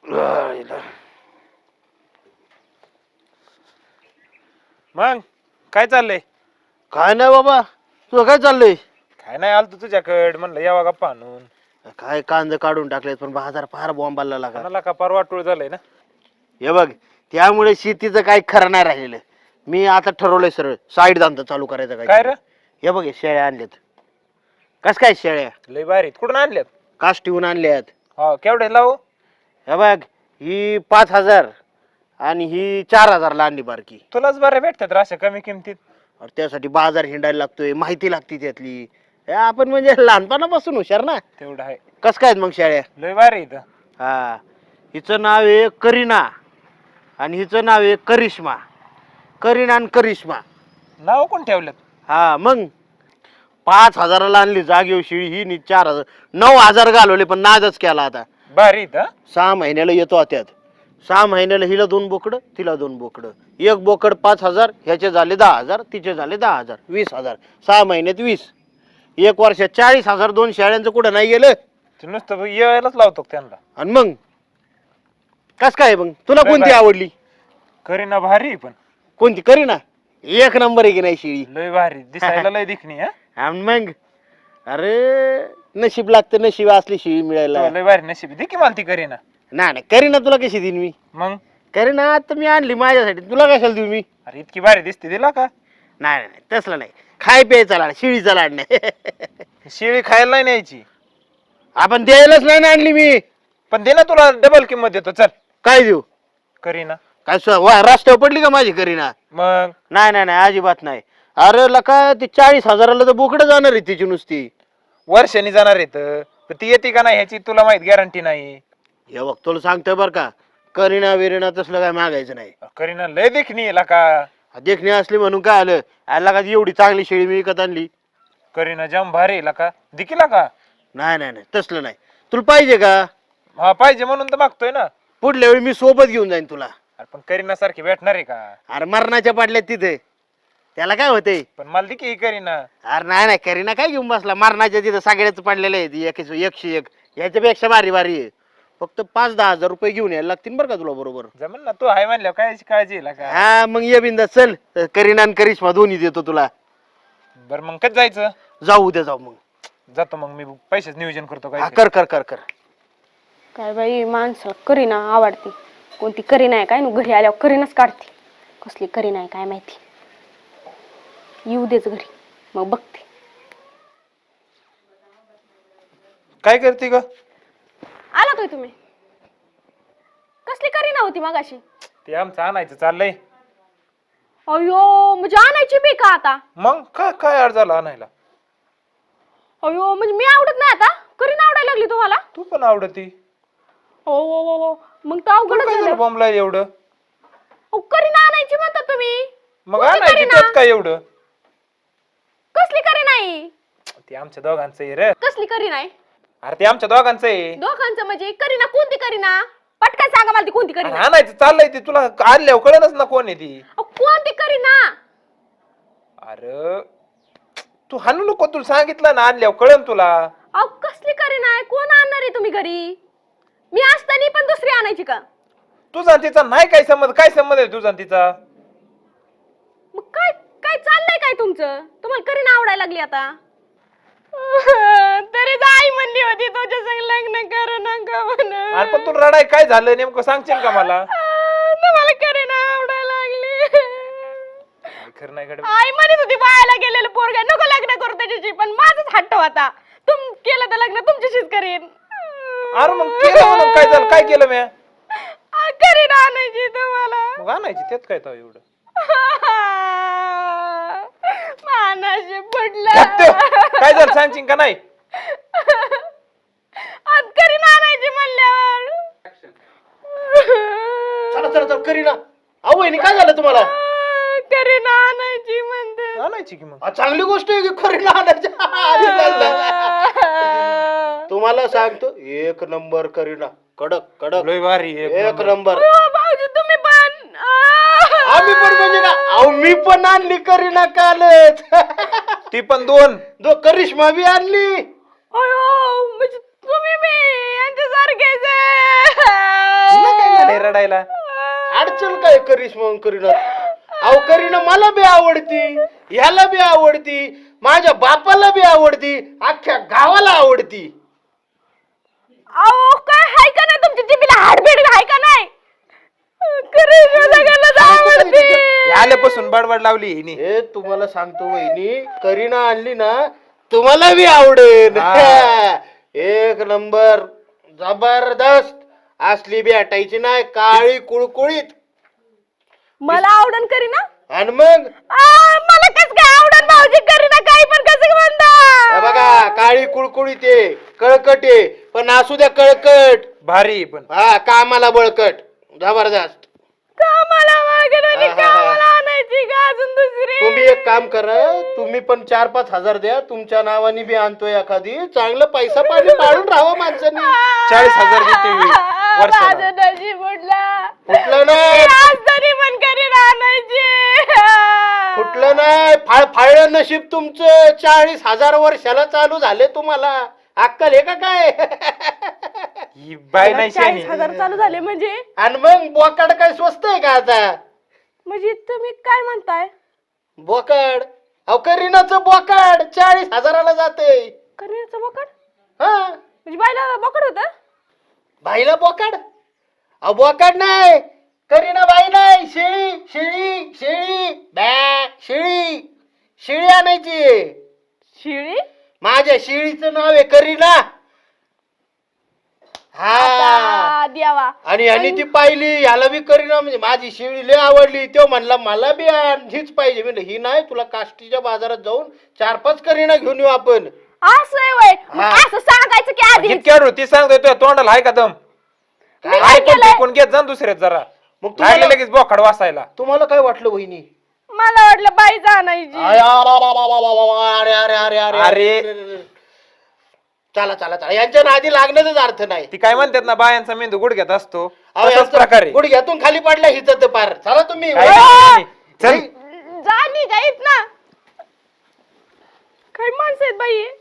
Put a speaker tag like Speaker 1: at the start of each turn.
Speaker 1: मग काय चाललंय?
Speaker 2: काय नाही बाबा, तुझं काय चाललंय?
Speaker 1: काय नाही आलतो तुझ्याकडे, म्हणलं यावा गप्पा आणून.
Speaker 2: काय कांदे काढून टाकलेत, पण बाजार फार बॉम्बाला लागा.
Speaker 1: कोणाला का परवाटूळ झालंय ना.
Speaker 2: हे बघ, त्यामुळे शेतीचं काही खरं नाही राहिलेलं. मी आता ठरवलंय सरळ साईड धंदा चालू करायचा.
Speaker 1: काय रे?
Speaker 2: हे बघ, हे शेळ्या आणल्यात. कस काय शेळ्या?
Speaker 1: लय भारी. कुठून आणल्यात?
Speaker 2: काष्टीहून आणल्यात.
Speaker 1: हा, केवढे लावू?
Speaker 2: हे बघ, ही 5,000 आणि ही 4,000ला आणली बारकी.
Speaker 1: तुलाच बरे भेटतात रे अशा कमी किमतीत.
Speaker 2: अरे त्यासाठी बाजार हिंडायला लागतोय, माहिती लागते त्यातली. हे आपण म्हणजे लहानपणापासून हुशार ना.
Speaker 1: तेवढं आहे.
Speaker 2: कस काय मग शेळ्या?
Speaker 1: लय भारी इथं.
Speaker 2: हा, हिचं नाव आहे करीना आणि हिचं नाव आहे करिश्मा. करीना आणि करिश्मा
Speaker 1: नाव कोण ठेवलं?
Speaker 2: हा, मग 5,000ला आणली जागेवर शिळी ही नी 4,000 9,000 घालवले, पण नादच केला. आता
Speaker 1: भारी इथं.
Speaker 2: 6 महिन्याला येतो त्यात. 6 महिन्याला हिला 2 बोकडं, तिला 2 बोकडं. एक बोकड 5,000, ह्याचे झाले 10,000, तिचे झाले 10,000, 20,000. 6 महिन्यात 20. एक वर्षात 40,000. 2 शेळ्यांचं कुठं नाही गेलं.
Speaker 1: ते नुसतं यायलाच लावतो त्यांना.
Speaker 2: आणि मग कस काय मग तुला
Speaker 1: लय
Speaker 2: कोणती
Speaker 1: भारी.
Speaker 2: आवडली?
Speaker 1: करीना भारी पण.
Speaker 2: कोणती? करीना एक नंबर आहे की नाही शिळी.
Speaker 1: लय भारी दिसायला लय दिखणी. हा,
Speaker 2: आणि मग अरे नशीब लागतं, नशीब असली शिळी मिळायला.
Speaker 1: लय भारी नशीब. दे की मला ती करीना.
Speaker 2: नाही करीना तुला कशी देईन मी?
Speaker 1: मग
Speaker 2: करीना आता मी आणली माझ्यासाठी, तुला कशाला देऊ मी?
Speaker 1: अरे इतकी भारी दिसते, दिला का?
Speaker 2: नाही तसलं नाही. खाय प्यायचा लाड, शिळीचा लाड नाही.
Speaker 1: शेळी खायला नाही न्यायची.
Speaker 2: आपण द्यायलाच नाही ना आणली मी.
Speaker 1: पण दे ना, तुला डबल किंमत देतो. चल.
Speaker 2: काय देऊ?
Speaker 1: करीना.
Speaker 2: काय रस्त्यावर पडली का माझी करीना?
Speaker 1: मग
Speaker 2: नाही अजिबात नाही. अरे लका ती 40,000ला तर बोकडं जाणार आहे तिची नुसती.
Speaker 1: वर्षांनी जाणार आहेत, पण ती येते का नाही ह्याची तुला माहित गॅरंटी नाही.
Speaker 2: हे बघ तुला सांगतोय बर का, करीना विरीना तसलं काय मागायचं नाही.
Speaker 1: करीना लय देखणी आहे का.
Speaker 2: देखणी असली म्हणून काय आलं? आला का एवढी चांगली शेळी मी विकत आणली.
Speaker 1: करीना जाम भारी आहे का. दिकीला का?
Speaker 2: नाही तसलं नाही. तुला पाहिजे का?
Speaker 1: हा, पाहिजे म्हणून तर मागतोय ना.
Speaker 2: पुढल्या वेळी मी सोबत घेऊन जाईन तुला.
Speaker 1: अरे पण करीना सारखी भेटणार आहे का?
Speaker 2: अरे मरणाच्या पाडल्यात तिथे, त्याला काय होते?
Speaker 1: पण मला दिकी करीना.
Speaker 2: अरे नाही करीना काय घेऊन बसला? मरणाच्या तिथं सगळ्याच पडलेलं आहे. 101 याच्यापेक्षा भारी आहे. फक्त 5-10 हजार रुपये घेऊन यायला लागतील बरं का तुला बरोबर.
Speaker 1: जमन ना, तू आहे म्हणल्यावर काय काळजी आहे का.
Speaker 2: हा मग ये बिंदा चल. करीना आणि करिश्मा दोन्ही देतो तुला.
Speaker 1: बरं मग कधी जायचं?
Speaker 2: जाऊ उद्या जाऊ. मग
Speaker 1: जातो. मग मी पैसेच नियोजन करतो.
Speaker 2: हा,
Speaker 1: काय
Speaker 2: कर.
Speaker 3: काय बाई माणसं करीना आवडती. कोणती करीना आहे काय? घरी आल्यावर करीनाच काढते. कसली करीना आहे काय माहिती. येऊ देच घरी, मग बघते.
Speaker 1: काय करते ग?
Speaker 3: आला तो तुम्ही. कसली करीना होती मगाशी?
Speaker 1: ते आमचं आणायचं चाललंय.
Speaker 3: अयो म्हणजे आणायची बी का आता?
Speaker 1: मग काय अड झाला आणायला?
Speaker 3: अयो म्हणजे मी आवडत नाही आता? करीना आवडायला लागली तुम्हाला?
Speaker 1: तू पण आवडती.
Speaker 3: हो मग तर अवघडच
Speaker 1: काय
Speaker 3: झालं.
Speaker 1: झालं बॉम्बला एवढं?
Speaker 3: अहो, करीना आणायची म्हणता तुम्ही.
Speaker 1: मग
Speaker 3: कोणती
Speaker 1: आणायची
Speaker 3: करीना?
Speaker 1: त्यात काय एवढं?
Speaker 3: कसली करीना आहे?
Speaker 1: ते आमच्या दोघांचं आहे रे.
Speaker 3: कसली करीना आहे?
Speaker 1: अरे ते आमच्या दोघांचं आहे.
Speaker 3: दोघांचं म्हणजे करीना कोणती करीना? पटकन सांगा मला ती कोणती
Speaker 1: अरे
Speaker 3: करीना.
Speaker 1: आणायचं चाललंय ते, तुला आणल्यावर कळलंच ना कोण आहे ती.
Speaker 3: अहो, कोणती करीना?
Speaker 1: अरे तू हाणू नको, तुला सांगितलं ना आणल्यावर कळन तुला.
Speaker 3: अहो कसली करीना आहे? कोण आणणार आहे तुम्ही घरी? मी असताना पण दुसरी आणायची का?
Speaker 1: तुझा आणि तिचा नाही काय संबंध. काय संबंध आहे तुझा आणि तिचा?
Speaker 3: मग काय काय चाललंय काय तुमचं? तुम्हाला करीना आवडायला लागली आता? तरी आई म्हणली होती तुझ्या संग लग्न कर नका म्हणून.
Speaker 1: अरे पण तुला रडाय काय झालं नेमकं सांगशील का मला?
Speaker 3: तुम्हाला करीना आवडायला लागली.
Speaker 1: खरं नाही गड्या.
Speaker 3: आई म्हणत होती बाळाला गेलेलं पोरगा नको लग्न करू त्याच्याशी, पण माझाच हट्ट होता. तुम केलं तर लग्न तुमच्याशीच करीन.
Speaker 1: अरे मग केलं म्हणून काय झालं? काय केलं मी?
Speaker 3: करीना आणायची तुम्हाला.
Speaker 1: मग आणायची त्यात काय तर एवढं?
Speaker 3: मानाशी पडलं.
Speaker 1: काय झालं सांगशील का नाही?
Speaker 3: आज करीना आणायची म्हणल्यावर.
Speaker 2: चला करीना. अहो वहिनी काय झालं तुम्हाला?
Speaker 3: करीना आणायची म्हणते.
Speaker 1: आणायची की मग.
Speaker 2: चांगली गोष्ट आहे की करीना आणायची. तुम्हाला सांगतो 1 नंबर करीना. कडक
Speaker 1: लय भारी आहे.
Speaker 2: 1 नंबर.
Speaker 3: भाऊजी तुम्ही पण.
Speaker 2: आम्ही पण म्हणजे का? अहो मी पण आणली करीना कालच.
Speaker 1: ती पण 2.
Speaker 2: करिश्मा बी आणली.
Speaker 3: अयो म्हणजे तुम्ही बी यांच्यासारखेच.
Speaker 1: पडायला.
Speaker 2: अडचण काय करीस मग करीना? अहो करीना मला बी आवडती, ह्याला बी आवडती, माझ्या बापाला बी आवडती, अख्ख्या गावाला आवडती.
Speaker 3: अहो काय हाय का नाही तुमच्या जिभेला हाडबीड हाय का नाही? करीना सगळ्यांनाच आवडते.
Speaker 1: आल्यापासून बडबड लावली हिने.
Speaker 2: हे तुम्हाला सांगतो वहिनी, करीना आणली ना तुम्हाला बी आवडेल. एक नंबर जबरदस्त. असली बी हटायची नाही, काळी कुळकुळीत.
Speaker 3: मला आवडन करीना
Speaker 2: आणि मग
Speaker 3: मला कस काय आवडन भाऊजी करीना काही पण कसं म्हणता.
Speaker 2: हे बघा काळी कुळकुळीत आहे, कळकट आहे, पण असू द्या कळकट.
Speaker 1: भारी पण.
Speaker 2: हा कामाला बळकट, जबरदस्त.
Speaker 3: कामाला वगैरे कामाला आणायची का अजून दुसरी?
Speaker 2: तुम्ही एक काम करा, तुम्ही पण 4-5 हजार द्या, तुमच्या नावाने बी आणतोय एखादी. चांगलं पैसा पाणी पाडून राहावं माणसानी.
Speaker 1: 40,000 देते वर्षाला.
Speaker 3: माझं नशीब उडलं.
Speaker 2: कुठलं नाही,
Speaker 3: आज तरी पण करीना आणायची.
Speaker 2: कुठलं नाही, फाळलं नशीब तुमचं. 40,000 वर्षाला चालू झाले तुम्हाला. अक्कल आहे का काय?
Speaker 1: ही बाय नाही
Speaker 3: 40,000 चालू झाले म्हणजे?
Speaker 2: आणि मग बोकाड काय स्वस्त आहे का आता?
Speaker 3: म्हणजे तुम्ही काय म्हणताय?
Speaker 2: बोकाड अहो करीनाचं बोकाड 40,000ला जाते.
Speaker 3: करीनाचं बोकड
Speaker 2: हा
Speaker 3: म्हणजे बायला बोकड होत?
Speaker 2: बाईला बोकाड? अहो बोकाड नाही, करीना बाई नाही, शेळी शेळी शेळी बॅ शेळी शेळी आणायची.
Speaker 3: शिळी?
Speaker 2: माझ्या शेळीचं नाव आहे करीना. हा
Speaker 3: आता द्यावा.
Speaker 2: आणि ह्यानी ती पाहिली, ह्याला बी करीना म्हणजे माझी शेळी लय आवडली. तो म्हणला मला बी हीच पाहिजे. म्हणजे ही नाही, तुला काष्टीच्या बाजारात जाऊन 4-5 करीना घेऊन येऊ आपण.
Speaker 3: असं आहे वय. मग
Speaker 2: हा.
Speaker 3: असं सांगायचं की आधी.
Speaker 1: इतक्या ती सांगतोय तुझ्या तोंडाला हाय का दम?
Speaker 3: मी काय
Speaker 1: ऐकून
Speaker 3: केलंय?
Speaker 1: टिकून घेत जा ना दुसऱ्यात जरा.
Speaker 2: मग
Speaker 1: लागले
Speaker 2: तुम्हाला
Speaker 1: लगेच बोखाड वाचायला.
Speaker 2: तुम्हाला काय वाटलं वहिनी?
Speaker 3: मला वाटलं बाईच आणायची.
Speaker 2: अरे अरे अरे अरे
Speaker 1: अरे.
Speaker 2: अरे चला चला चला, यांच्या नादी लागण्याचाच अर्थ नाही.
Speaker 1: ती काय म्हणतात ना, बायांचा मेंदू गुडघ्यात असतो
Speaker 2: अहो,
Speaker 1: तसाच
Speaker 2: यांचं
Speaker 1: प्रकारे.
Speaker 2: गुडघ्यातून खाली पडला हिचं तर पार. चला तुम्ही.
Speaker 1: काय नाही, चल.
Speaker 3: जा निघायत ना. काय माणसं आहेत बाई?